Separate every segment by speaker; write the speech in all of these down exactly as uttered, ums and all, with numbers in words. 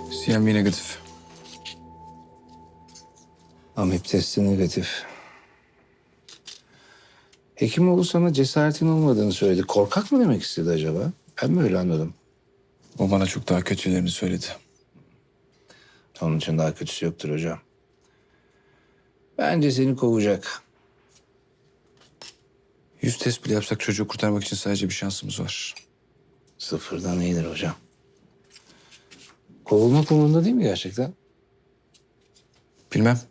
Speaker 1: C M V negatif.
Speaker 2: Amip testi negatif. Hekimoğlu sana cesaretin olmadığını söyledi. Korkak mı demek istedi acaba? Ben mi öyle anladım?
Speaker 1: O bana çok daha kötülerini söyledi.
Speaker 2: Onun için daha kötüsü yoktur hocam. Bence seni kovacak.
Speaker 1: Yüz test bile yapsak çocuğu kurtarmak için sadece bir şansımız var.
Speaker 2: Sıfırdan iyidir hocam. Kovulmak umurunda değil mi gerçekten?
Speaker 1: Bilmem.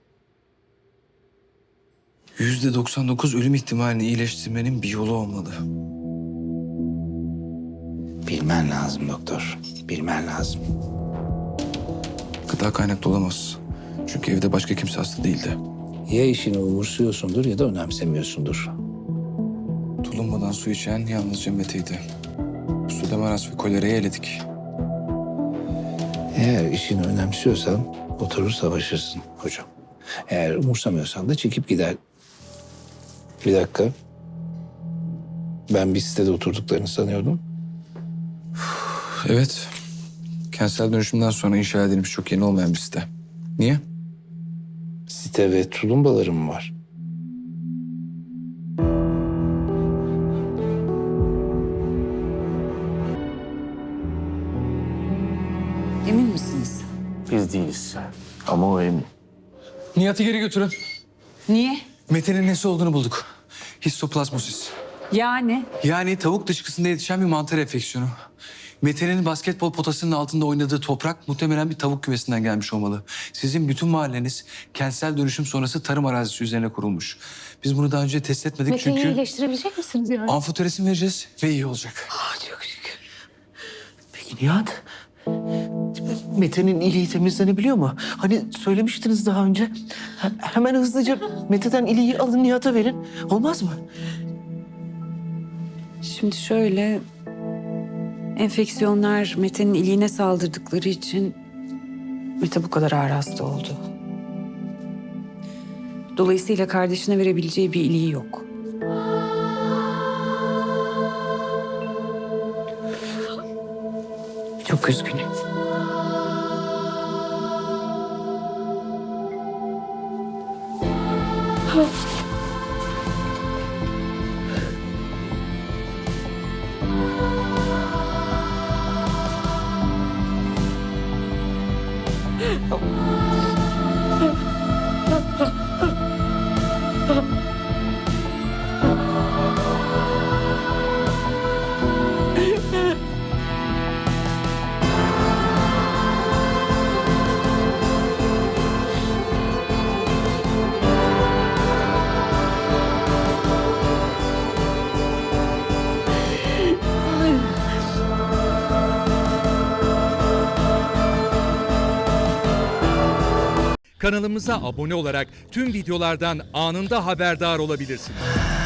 Speaker 1: Yüzde doksan dokuz ölüm ihtimalini iyileştirmenin bir yolu olmalı.
Speaker 2: Bilmen lazım doktor. Bilmen lazım.
Speaker 1: Gıda kaynaklı olamaz. Çünkü evde başka kimse hasta değildi.
Speaker 2: Ya işini umursuyorsundur ya da önemsemiyorsundur.
Speaker 1: Tulumbadan su içen yalnızca Mete'ydi. Pseudomonas ve kolerayı eledik.
Speaker 2: Eğer işini önemsiyorsan oturur savaşırsın hocam. Eğer umursamıyorsan da çekip gider. Bir dakika. Ben bir sitede oturduklarını sanıyordum.
Speaker 1: Evet. Kentsel dönüşümden sonra inşa edilmiş çok yeni olmayan bir site. Niye?
Speaker 2: Site ve tulumbalarım mı var?
Speaker 3: Emin misiniz?
Speaker 4: Biz değiliz. Ama o emin.
Speaker 1: Nihat'ı geri götürün.
Speaker 3: Niye?
Speaker 1: Mete'nin nesi olduğunu bulduk. Histoplazmosis.
Speaker 3: Yani
Speaker 1: Yani tavuk dışkısında yetişen bir mantar enfeksiyonu. Mete'nin basketbol potasının altında oynadığı toprak muhtemelen bir tavuk kümesinden gelmiş olmalı. Sizin bütün mahalleniz kentsel dönüşüm sonrası tarım arazisi üzerine kurulmuş. Biz bunu daha önce test etmedik
Speaker 5: Mete'yi
Speaker 1: çünkü
Speaker 5: iyileştirebilecek misiniz yani?
Speaker 1: amfoteresin vereceğiz ve iyi olacak.
Speaker 4: Çok şükür. Peki Nihat? Mete'nin iliği temizlenebiliyor mu? Hani söylemiştiniz daha önce. He- hemen hızlıca Mete'den iliği alın Nihat'a verin. Olmaz mı?
Speaker 3: şimdi şöyle... Enfeksiyonlar Mete'nin iliğine saldırdıkları için Mete bu kadar ağır hasta oldu. Dolayısıyla kardeşine verebileceği bir iliği yok.
Speaker 4: Çok üzgünüm.
Speaker 6: Kanalımıza abone olarak tüm videolardan anında haberdar olabilirsiniz.